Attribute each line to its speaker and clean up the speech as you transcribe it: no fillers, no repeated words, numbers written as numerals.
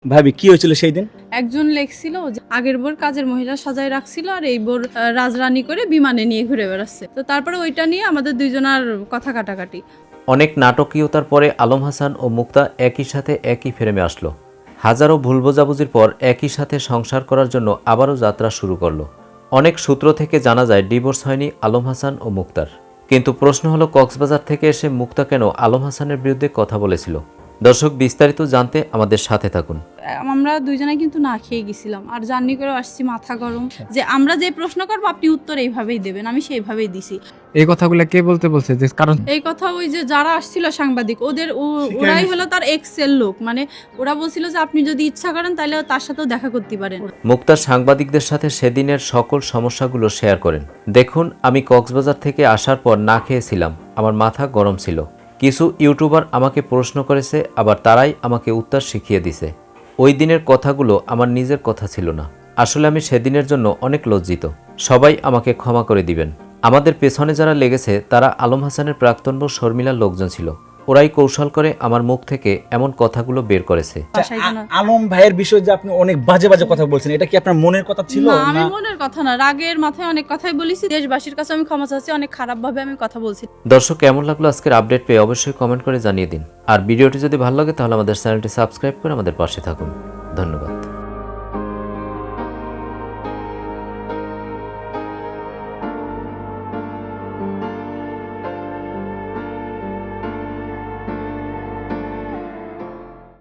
Speaker 1: ভাবি কি হয়েছিল সেই দিন?
Speaker 2: একজন লেখছিল যে আগের বোর কাজের মহিলা সাজায় রাখছিল আর এই বোর রাজরানী করে বিমানে নিয়ে ঘুরে বেড়াচ্ছে। তো তারপরে ওইটা নিয়ে আমাদের দুইজনের কথা কাটাকাটি।
Speaker 3: অনেক নাটকীয়তার পরে আলম হাসান ও মুক্তা একই সাথে একই ফ্রেমে আসলো। হাজারো ভুল বোঝাবুঝির পর একই সাথে সংসার করার জন্য আবারও যাত্রা শুরু করলো। অনেক সূত্র থেকে জানা যায় ডিভোর্স হয়নি আলম হাসান ও মুক্তার। কিন্তু প্রশ্ন হলো কক্সবাজার থেকে এসে মুক্তা কেন আলম হাসানের বিরুদ্ধে কথা বলেছিল। দর্শক, বিস্তারিত জানতে আমাদের সাথে থাকুন।
Speaker 2: আমরা দুইজনে কিন্তু না খেয়ে গেছিলাম আর জার্নি করে আসছি মাথা গরম, যে আমরা যে প্রশ্ন করবো আপনি উত্তর এইভাবেই দেবেন, আমি সেইভাবেই দিছি।
Speaker 4: এই কথাগুলো কে বলতে বলছে? যে কারণ
Speaker 2: এই কথা ওই যে যারা আসছিল সাংবাদিক ওরাই হলো তার এক্সেল লোক, মানে ওরা বলছিল যে আপনি যদি ইচ্ছা করেন তাহলে তার সাথেও দেখা করতে পারেন।
Speaker 3: মুক্তার সাংবাদিকদের সাথে সেদিনের সকল সমস্যাগুলো শেয়ার করেন। দেখুন, আমি কক্সবাজার থেকে আসার পর না খেয়েছিলাম, আমার মাথা গরম ছিল। কিছু ইউটিউবার আমাকে প্রশ্ন করেছে, আবার তারাই আমাকে উত্তর শিখিয়ে দিছে। ওই দিনের কথাগুলো আমার নিজের কথা ছিল না। আসলে আমি সেদিনের জন্য অনেক লজ্জিত। সবাই আমাকে ক্ষমা করে দিবেন। আমাদের পেছনে যারা লেগেছে তারা আলম হাসানের প্রাক্তন বউ শর্মিলার লোকজন ছিল। ওরাই কৌশল করে আমার মুখ থেকে এমন কথাগুলো বের করেছে।
Speaker 1: আলম ভাইয়ের বিষয়ে যে আপনি অনেক বাজে বাজে কথা বলছেন, এটা কি আপনার মনের কথা ছিল?
Speaker 2: না, আমি মনের কথা না, রাগের মাথায় অনেক কথাই বলেছি। দেশবাসীর কাছে আমি ক্ষমা চাচ্ছি, অনেক খারাপ ভাবে আমি কথা বলছি।
Speaker 3: দর্শক, কেমন লাগলো আজকের আপডেট পেয়ে অবশ্যই কমেন্ট করে জানিয়ে দিন। আর ভিডিওটি যদি ভালো লাগে তাহলে আমাদের চ্যানেলটি সাবস্ক্রাইব করে আমাদের পাশে থাকুন। ধন্যবাদ।